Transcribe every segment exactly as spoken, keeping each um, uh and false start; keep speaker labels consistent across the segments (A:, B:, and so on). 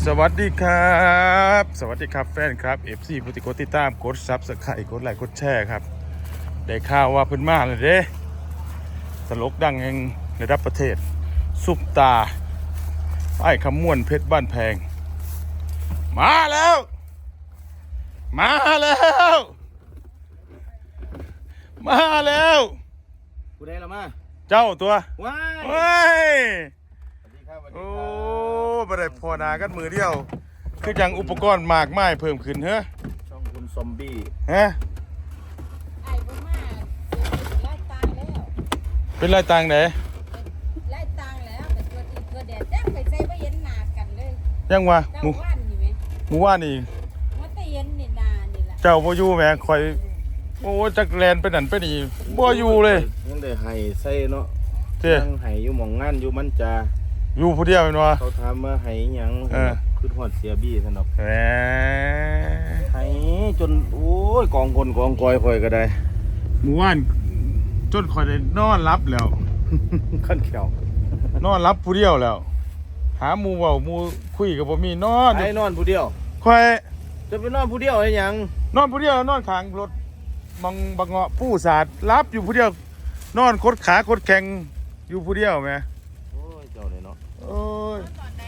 A: วัสดีครับสวัสดีครับแฟนครับ เอฟ ซี ผู้ติดกดติดตามกดซับสไครต์กดไลค์กดแชร์ครับได้ข่าวว่าเพิ่นมาเลยเด้ตลกดังแห่งระดับประเทศซุปตาไอ้คำม่วนเพชรบ้านแพงมาแล้วมาแล้วมาแล้ว
B: กูได้แล้วมา
A: เจ้าตัว
B: ว้าย
A: เฮ้ย
B: สวัสดีครับสวัสดี
A: โอ้
B: ครับ
A: บ่ได้พอหนากันมือเดียวคือจังอุปกรณ์มากมายเพิ่มขึ้นเฮ้อ
B: ช่องคุณซอมบี้
A: ฮะ
C: ไอ้บ่มาไล่ตางแล้ว
A: เป็นไรต่างไหน
C: ไล่ตางแล้วแต่ตัวตีตัวแดดแจ้งไปใส่บ่เห็นหน้ากันเลย
A: ยังวะหมู่
C: เจ้าว่านนี่แม่
A: หมู่ว่านนี่
C: ว่าแต่เห็นนี่นานี่ล่ะ
A: เจ้าบ่อยู่แหมข่อยโอ้จักแลนไปนั่นไปนี่บ่อยู่เลย
B: ยังได้ไห้ใส่เนาะ
A: เจ้
B: ยังไห้อยู่หม่องงานอยู่มันจะ
A: อยู่ผู้เดียวแม่นบ่
B: เขาถามว่าไห้หยังคือฮอดเสียบี้ซั่นดอก
A: แหม
B: ไห้จนโอ้ยกองคนกองกอยข่อยก็ได้
A: หมู่ว่านจนข่อยได้นอนหลับแล้ว
B: ขั้นเขียวน
A: อนหลับผู้เดียวแล้วหาหมู่เว้าหมู่คุยก็บ่มีนอน
B: ไห้นอนผู้เดียว
A: ข่อย
B: จะไปนอนผู้เดียวให้หยัง
A: นอนผู้เดียวนอนข้างรถบังบังเงาะผู้สาดรับอยู่ผู้เดียวนอนคดขาคดแข็งอยู่ผู้เดียวแม่
B: โอ้ยเจ้าเลยเนาะ
A: โอ้ย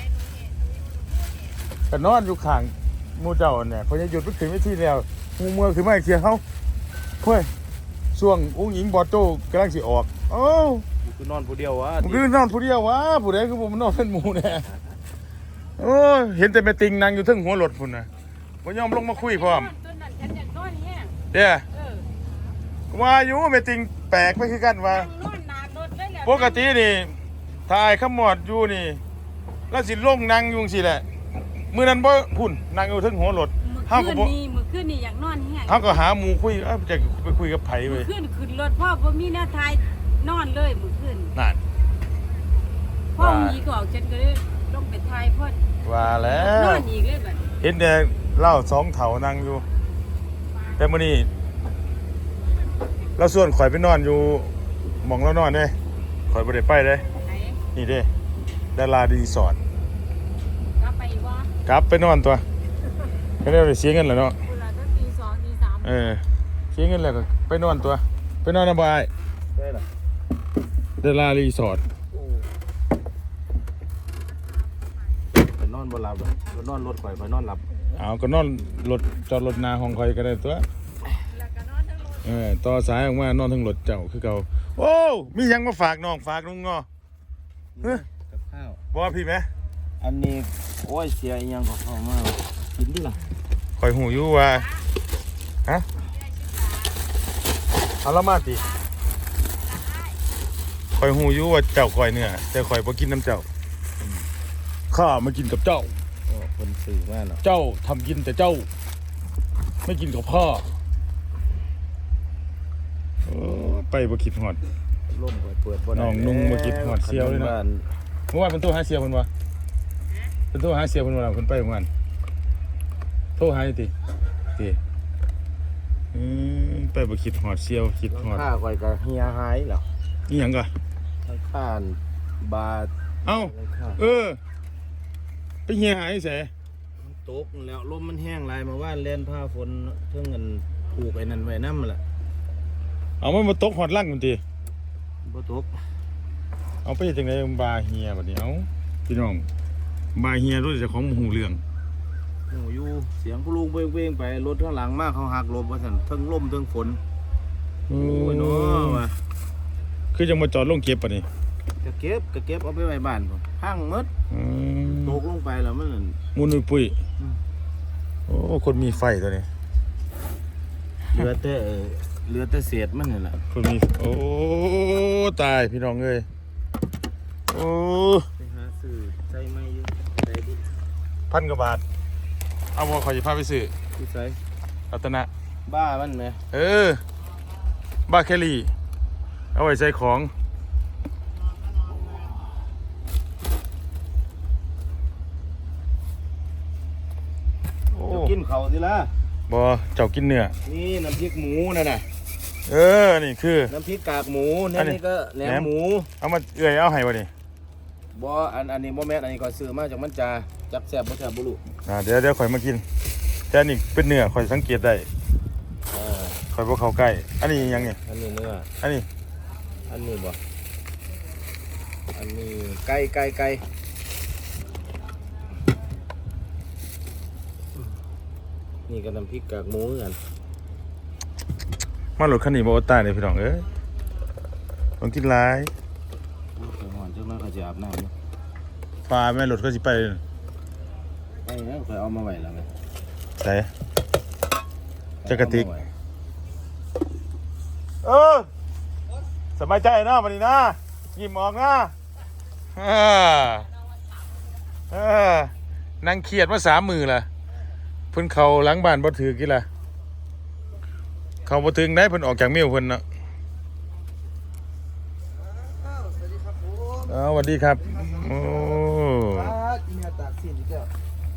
A: แต่นอนอยู่ข้างหมู่เจ้าเนี่ยเขาจะหยุดไปถึงไม่ที่แล้วหมู่เมืองคือไม่เคลียร์เขาเฮ้ยช่วงอุ้งหญิงบอโต้กำลังสิออกโอ้
B: คือนอนผู้เดียววะ
A: มันคือนอนผู้เดียววะผู้ใดคือผมนอนเป็นหมู่เนี่ยโอ้ยเห็นแต่แม่ติงนั่งอยู่ทึ่งหัวรถพุ่นน่ะบ่ยอมลงมาคุยพร้อมเด้อว่าอยู่แม่ติงแปลกไปคือกันว่าปกตินี่ถ้าไอ้ขมอดอยู่นี่แล้วสิลงนั่งอยู่จังซี่แหละมื้อนั้นบ่พุ่นนั่งอยู่ทึ่งหัวรถ
C: เฮาก็บ่มื้อคืนนี่อยากนอนแฮง
A: เฮาก็หาหมู่คุยเอ้าจะไปคุยกับไผเว้ย
C: มื้อคืนขึ้นรถพ่อบ่มีแนวทายนอนเลยมื้อคืน
A: นั่น
C: พ่อมีก็ออกจังก็เลยลงไปทายเพิ่น
A: ว่าแล้ว
C: นอนอีกเลยบัด
A: เห็นแต่เล่าสองเถานั่งอยู่แต่มื้อนี้เราส่วนข่อยไปนอนอยู่หม่องเรานอนเด้ข่อยบ่ได้ไปเด้นี่เด้ดารารีสอร์ท
C: กลับไปอีกบ่
A: กลับไปนอนตัวก็ได้เสียเงินแล้วเนาะ
C: เวลาตั้งตีสองตีสาม
A: เออเสียเงินแล้วก็ไปนอนตัวไปนอนนำบ่อ้าย
B: ได้ล่ะ
A: ดารารีสอร์ท
B: ไปนอนบ่หลับไปนอนรถข่อยไปนอนหลับ
A: เอาก็นอนรถจอดรถหน้าห้องข่อยก็ได้ตัวเออต่อสายออกมานอนทั้งรถเจ้าคือเก่าโอ้มียังมาฝากน้องฝากลุงงอ
B: เฮ้ยกับข้าว
A: บ่พี่ไหม
B: อันนี้โอ้ยเสียอีหยังก็เข้ามากินดิล่ะ
A: ข่อยหูอยู่ว่าฮะเอาละมาติข่อยหูอยู่ว่าเจ้าข่อยเนื้อแต่ข่อยบ่กินน้ำเจ้าข้ามากินกับเจ้า
B: โอ้คนสื่อมากเนาะ
A: เจ้าทำกินแต่เจ้าไม่กินกับพ่อไปบ่คิดฮอด
B: ล่มเปิดบ่
A: น้องนุ่งบ่คิดฮอดเสียวเลยนะเมื่อวานเป็นโทรหาเสียวเพิ่นว่าเป็นโทรหาเสียวเพิ่นว่าเพิ่นไปเมื่อวานโทรหาติติอืมไปบ่คิดฮอดเสียวคิดฮอด
B: ค่าข่อยก็เฮียหายแล้ว
A: อีหยังก็
B: ค่าบาท
A: เอ้าเออไปเฮียหายไส
B: ตกแล้วลมมันแห้งหลายมาว่านเล่นผ้าฝนเพิ่งเงินผูกไอ้นั่นไว้นำล่ะ
A: เอามันมาตกฮอดลั่งพุ่นติ
B: บ่ตก
A: เอาไปจังได๋บาเฮียบัดนี้เอ้าพี่น้องบาเฮียรู้จักของหูเรื่อง
B: โอ้อยู่เสียงผู้ลุงเว้งๆไปรถข้างหลังมาเขาหักหลบว่าซั่นทั้งลมทั้งฝนโอ้ยเนาะว่า
A: คือจังมาจอดลงเก็บปะนี่
B: ก็เก็บก็เก็บเอาไปไว้บ้านพุ่นพังหมด
A: อืม
B: ตกลงไปแล้วมัน
A: มุนปุ้ยโอ้คนมีไฟตัวนี้
B: เหลือแต่เหลือแต่เศษมันนี่แหละ
A: คนมีโอ้ตายพี่น้องเอ้ยโอ้
B: ไปหาซื้อใส่ไม้อยู่ใส่ดิ
A: พันกว่าบาทเอาบ่ขอสิพาไปซื้อ
B: ที่ใส่
A: รัตนะ
B: บ้ามันแหม
A: เออบ้าแคลี่เอาไว้ใส่ของ
B: กินเขาสิล่ะ
A: บ่เจ้ากินเนื้อ
B: นี่น้ำพริกหมูนั่นน่ะ
A: เออนี่คือ
B: น้ำพริกกากหมูนี่ก็แหนมหมู
A: เอามาเอื้อยเอาให้บ่นี่
B: บ่อันอันนี้บ่แม่นอันนี้ก็ซื้อมาจากมันจ่าจับแซ่บบ่แซ่บบ่รู้
A: อ่าเดี๋ยวเดี๋ยวข่อยมากินแต่อันนี้เป็นเนื้อข่อยสังเกตได้
B: เออ
A: ข่อยบ่เข้าใกล้อันนี้ยังไง
B: อันนี้เนื้อ
A: อันนี้
B: อันนี้บ่อันนี้ไก่ไก่ไก่นี่ก็น้ำพริกกากหมูเหมือนกัน
A: มารถคันนี้บ่อดตายเลยพี่น้องเอ้ยต้องกินหลาย
B: โอ้ยหอนจังเลยเขาจะอาบน้ำเนาะ
A: ปลาแม่รถก็สิไป
B: ไอ้เนี่ยเคยเอามาไว้แล้วไง
A: ใส่จักรติกเออสบายใจนะวันนี้นะยิ้มออกนะเออเออนั่งเครียดมาสามมือล่ะเพิ่นเข้าหลังบ้านบ่ถือกี่ล่ะเข้าบ่ถึงได้เพิ่นออกจากเมียวเพิ่นเนาะอ้าวสวัสดีครับโอ้
D: อีเมียตากสินอีกแล้ว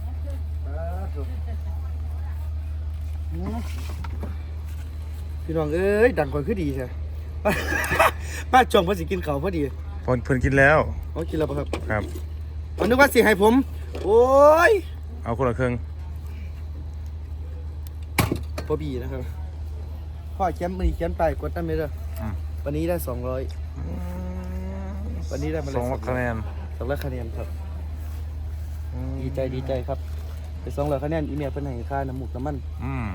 D: พี่น้องเอ้ยดังกว่าคือดีใช่ ป้าจงพอสิกินเขาวพอดี
A: เพิ่นเพิ่นกินแล้ว
D: เขากินแล้วปะครับ
A: ครับ
D: เอานึกว่าสิให้ผม โอ้ย
A: เอาคนละครึ่ง
D: พอบีนะครับพ่อแคมป์มีแคมป์ไปกดตั้งไม่ได้วันนี้ได้สองร้อยวันนี้ได้มาเลย
A: สองคะแนน
D: สองร้อยคะแนนครับดีใจดีใจครับไปสองร้อยคะแนนอีเมียเพิ่นให้ค่าน้ำหมูกน้ำมัน
A: อืม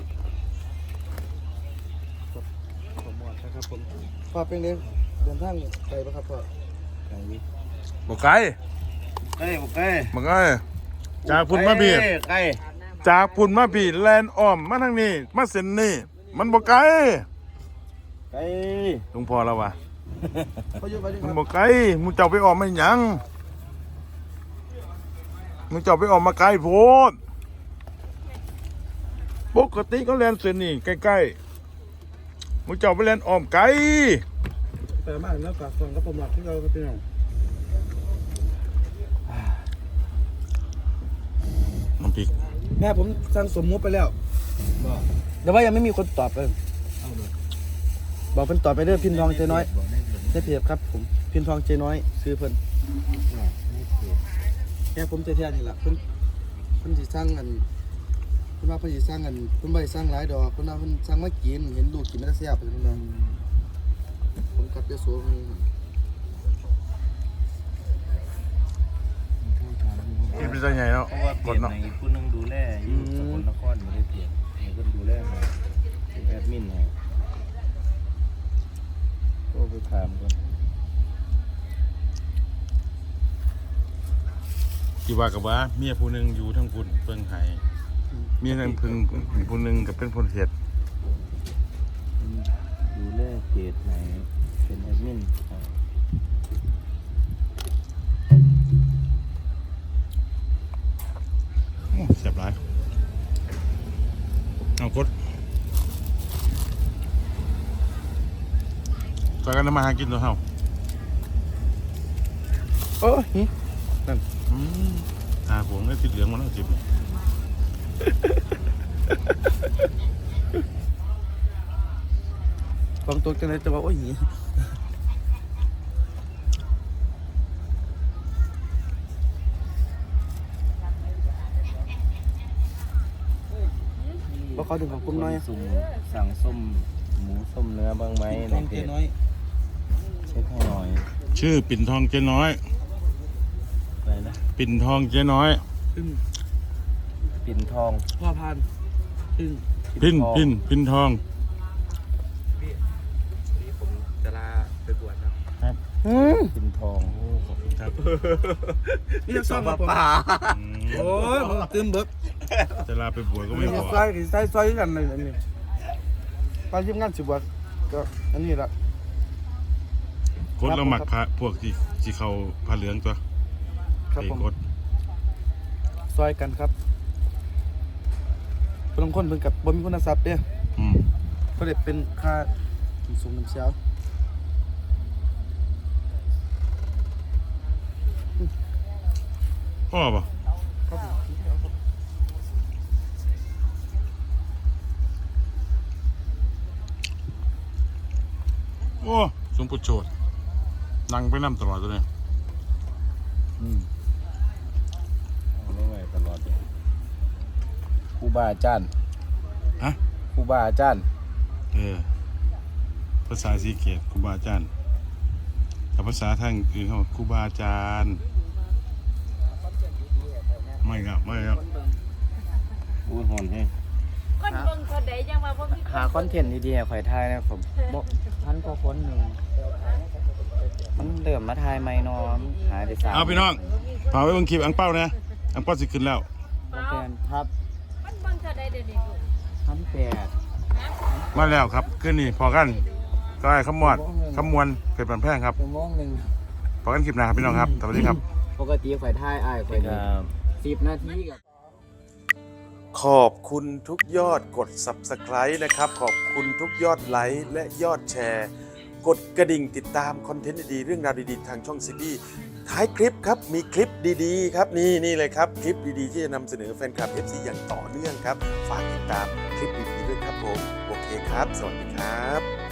D: ขอหมดนะครับผมพ่อเป็นเดินเดินทางไกลปะครับพ่อ
B: ไก่
A: บ่ไกล
B: ไก่บ่ไก่
A: บ่ไกลจากพุ่นมาบี
B: ไก่
A: จากพุ่นมาบีแลนอ้อมมาทางนี้มาเส้นนี้มันบ่ไกล
B: ไก่
A: หลวงพ่อแล้ววะ
D: พ่ออยู่ไปดิค
A: มัน
D: รับ
A: บ่ไกลมึงเจ้าไปอ้อมไม่หยังมึงเจ้าไปอ้อมมาไกลโพดปกติก็แลนเส้นนี้ใกล้ๆมึงเจ้าไปแลนอ้อมไกล
D: แต่มาแล้วกับส่งกับผมหลักที่เราก็เป็นอย่าง
A: น้ำพริก
D: แม่ผมสั่งสมมุติไปแล้วแต่ว่ายังไม่มีคนตอบเลยบอกเพิ่นตอบไปเด้อพินทองเจน้อยใช่เพียบครับผมพินทองเจน้อยซื้อเพิ่นแม่ผมเทียนนี่แหละเพิ่นเพิ่นสิสร้างอันเพิ่นว่าเพิ่นสิสร้างอันเพิ่นบ่ได้สร้างหลายดอกเพิ่นว่าเพิ่นสร้างมากินเห็นลูกกินมันแซ่บเพิ่นว่าผมกลับยโสมี
A: กินเป็นไงเนาะ
B: เพราะว่าเป
A: ก
B: ลี่
A: ด
B: ยน
A: เนาะ
B: ในผู้หนึงดูแลอยู่สกลนครไม่ได้เปลี่ยนให้เพิ่นดูแลให้เป็นแอดมินให้โทรไปถามก่อน
A: ที่ว่ากับว่าเมียผู้หนึงอยู่ทั้งพุ่นเพิ่งไห้เมียทั้งพึ่งผู้หนึงกับเป็นคนเฮ็ด
B: ดูแลเพจไหนเป็นแอดมินให้
A: โอ้เสียบหลายเอากดใส่กันทำมาหากินตัวเฮา
D: โอ้ย
A: อืมหาผมได้ติดเหลืองมาแล้วจิบ
D: ของตัวจังได๋จะว่าโอ้ยหิบ่ขอถึงของผมหน่อย
B: สุ่มสั่งส้มหมูส้มเนื้อบ้างไหม
D: ข
B: ใน
D: อง
B: เพ
D: เจ
B: จ
D: น้อย
B: เช็คให้หน่อย
A: ชื่อปิ่นทองเจ๊น้อย
B: อะไรนะ
A: ปิ่นทองเจ๊น้อย
D: ซึ่ง
B: ปิ่นทอง
D: พ่อพานซึ่ง
A: พินพินพินทอง
D: นี่ผมจะลาไปบวชครับ
B: ครับ
D: อืม
B: ปิ่นทอง
A: โอ้ขอบคุณครับ
D: นี่จะซ่อมมาผม
A: อืม
D: โอ้ยผมตื่นเบิก
A: จะลาไปบวชก็ไม่
D: นี่
A: บ
D: จะ
A: อก
D: ใส่ใส่ใส่กันเลยอันนี้ไปทีมงานสิบวชก็อันนี้ละ
A: กดแล้วหมักพระพวกที่ที่เขาผ้าเหลืองตัว
D: ครับ
A: ไอ้
D: ผม
A: กด
D: ซอยกันครับบางคนเพิ่นกับบ่มีคุณทรัพย์เด้อ
A: อืม
D: ก็ได้เป็นค่าสูงน้ำเสียว
A: พ่อป่ะ
D: ครับผม
A: โอ้สมปุโชดนั่งไปนั่ตลอดตัวนี้
B: อืมครูบาอาจารย์
A: ฮะ
B: ครูบาอาจารย์
A: เออภาษาสีเกตครูบาอาจารย์แต่ภาษาทางอื่นเขาครูบาอาจารย์ไม่ครับไม่ครับ
B: อู้หอนแฮง
C: คนเบิ่งคนใดจังว่าบ่มี
E: หาคอนเทนต์ดีๆให้ข่อยทายนะผมบ่พันกว่าคนหนึ่งมันเริ่มมาทายไม่นอมหายไปสาม
A: เอาพี่น้องฝากไว้บนคลิปอังเป้านะอังเป้าสิขึ้นแล้ว
E: โอเคครับ
C: คนเบิ่งเท่าใดเดี๋ยวนี้ลูก
E: พันแปด
A: มาแล้วครับขึ้นนี่พอกันก็ไอ้ขมวดขมวนเพชรบันแพงครับ
E: ชั่วโมงหนึ่ง
A: พอกันคลิปหน้าครับพี่น้องครับสวัสดีครับ
E: ปกติข่อยทายอ้ายข่อย
B: ครับ
E: สิบนาทีกับ
A: ขอบคุณทุกยอดกด ซับสไครบ์ นะครับ ขอบคุณทุกยอดไลค์และยอดแชร์ กดกระดิ่งติดตามคอนเทนต์ดีๆเรื่องราวดีๆ ทางช่องซีบีท้ายคลิปครับ มีคลิปดีๆ ครับ นี่นี่เลยครับ คลิปดีๆ ที่จะนำเสนอแฟนคลับ เอฟ ซี อย่างต่อเนื่องครับ ฝากติดตามคลิปดีๆด้วยครับผม โอเคครับ สวัสดีครับ